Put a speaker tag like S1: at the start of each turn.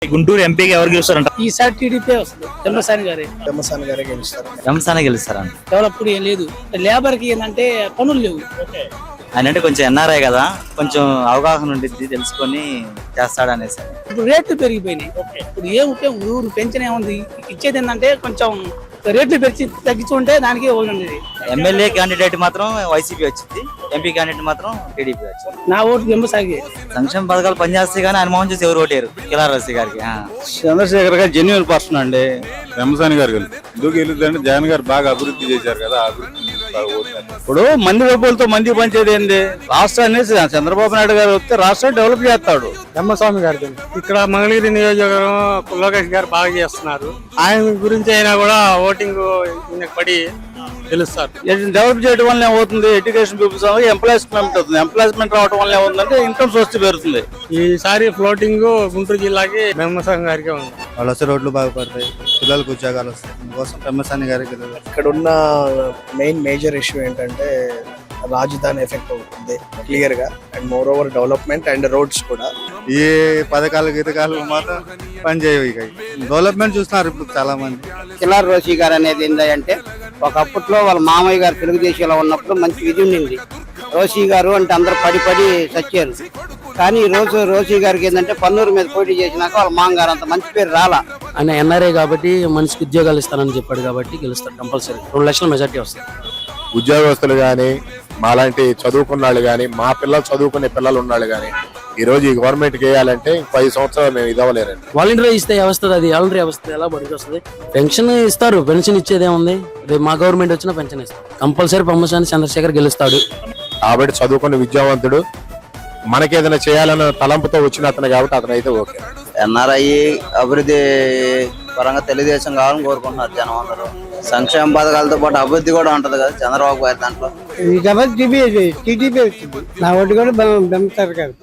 S1: గుంటూరు ఎంపీకి ఎవరు గెలుస్తారంట?
S2: ఈసారి టీడీపీ వస్తుంది.
S3: పెమ్మసాని గారే గెలుస్తారు.
S4: రంసానే గెలుస్తారంట.
S2: డెవలప్డ్ ఏం లేదు. లేబర్ కి ఏంటంటే పనులు లేవు.
S4: ఆయన అంటే కొంచెం ఎన్ఆర్ఐ కదా, కొంచెం అవగాహన ఉండిద్ది, తెలుసుకొని చేస్తాడు అనేసి.
S2: ఇప్పుడు రేట్లు పెరిగిపోయినాయి. ఇప్పుడు ఏం ఊరు పెంచిన ఏముంది, ఇచ్చేది ఏంటంటే కొంచెం రేట్లు పెంచి తగ్గించుకుంటే దానికి ఉండేది.
S4: ఎమ్మెల్యే క్యాండిడేట్ మాత్రం వైసీపీ వచ్చింది, ఎంపీ క్యాండిడేట్ మాత్రం టీడీపీ వచ్చింది.
S2: నా ఓటు పెంబసాగి.
S4: సంక్షేమ పథకాలు పనిచేస్తే గానీ ఆయన మోహన్ చూసి ఎవరు ఓటేరు. కిలారసి గారికి
S5: చంద్రశేఖర్ గారు జెన్యున్ పర్సన్ అండి. పెమ్మసాని గారు ఎందుకు గెలుద్దంటే జగన్ గారు బాగా అభివృద్ధి చేశారు కదా, అభివృద్ధి ఇప్పుడు మంది డబ్బులతో మంది పంచేది ఏంది? రాష్ట్రాన్ని చంద్రబాబు నాయుడు గారు వస్తే రాష్ట్రాన్ని డెవలప్ చేస్తాడు.
S3: పెమ్మస్వామి గారు ఇక్కడ మంగళగిరి నియోజకవర్గం లోకేష్ గారు బాగా చేస్తున్నారు. ఆయన గురించి అయినా కూడా ఓటింగ్ పడి తెలుస్తారు.
S5: డెవలప్ చేయడం వల్ల ఏమవుతుంది? ఎడ్యుకేషన్ పీపుల్స్ ఎంప్లాయ్మెంట్ అవుతుంది. ఎంప్లాయ్మెంట్ రావడం వల్ల ఏమవుతుందంటే ఇన్కమ్ సోర్స్ పెరుగుతుంది.
S3: ఈసారి ఫ్లోటింగ్ గుంటూరు జిల్లాకి పెమ్మస్వామి గారికి ఉంది.
S5: వాళ్ళు వస్తే రోడ్లు బాగుపడతాయి, పిల్లలకు ఉద్యోగాలు వస్తాయి. అందుకోసం పెమ్మసాని గారికి.
S3: ఇక్కడ ఉన్న మేజర్ ఇష్యూ ఏంటంటే రాజధాని ఎఫెక్ట్ అవుతుంది క్లియర్ గా, and more over development and roads కూడా.
S5: ఈ పథకాలు గీతకాలు మాత్రం పనిచేయవు. ఇక డెవలప్మెంట్ చూస్తున్నారు ఇప్పుడు చాలా మంది.
S6: కిలార్ రోషి గారు అనేది ఏంటంటే ఒకప్పట్లో వాళ్ళ మామయ్య గారు తెలుగుదేశంలో ఉన్నప్పుడు మంచి విధి ఉండింది. రోషి గారు అంటే అందరు పడి చచ్చారు. కానీ ఈ రోజు రోషి గారికి ఏంటంటే పన్నూరు మీద పోటీ చేసినాక వాళ్ళ మామగారు అంత మంచి పేరు రాలా.
S2: ఆయన ఎన్ఆర్ఐ కాబట్టి మనిషికి ఉద్యోగాలు ఇస్తానని చెప్పాడు కాబట్టి గెలుస్తాడు కంపల్సరీ. 2 లక్షల మెజార్టీ వస్తుంది.
S7: ఉద్యోగస్తులు గాని, మాలాంటి చదువుకున్న వాళ్ళు గాని, మా పిల్లలు చదువుకునే పిల్లలు ఉన్నాళ్ళు గాని ఈ రోజు ఈ గవర్నమెంట్ కి వేయాలంటే 5 సంవత్సరాలు మేము ఇదవలేరండి.
S2: వాలంటీర్ ఇస్తే వస్తుంది, అది వాలంటీర్ వ్యవస్థ ఎలా బడికి వస్తుంది? పెన్షన్ ఇస్తారు, పెన్షన్ ఇచ్చేది ఏముంది? రేపు మా గవర్నమెంట్ వచ్చినా పెన్షన్ ఇస్తారు. కంపల్సరీ పెమ్మసాని చంద్రశేఖర్ గెలుస్తాడు.
S7: కాబట్టి చదువుకున్న విద్యావంతుడు, మనకేదైనా చేయాలన్న తలంపుతో వచ్చిన అతను కాబట్టి అతను అయితే ఓకే.
S4: ఎన్ఆర్ఐ అభివృద్ధి పరంగా తెలుగుదేశం కావాలని కోరుకుంటున్నారు జనం అందరూ. సంక్షేమ పథకాలతో పాటు అభివృద్ధి కూడా ఉంటది కదా చంద్రబాబు గారి దాంట్లో.
S6: టీడీపీ వచ్చింది. నా ఓటు కూడా బెంబసాని గారు.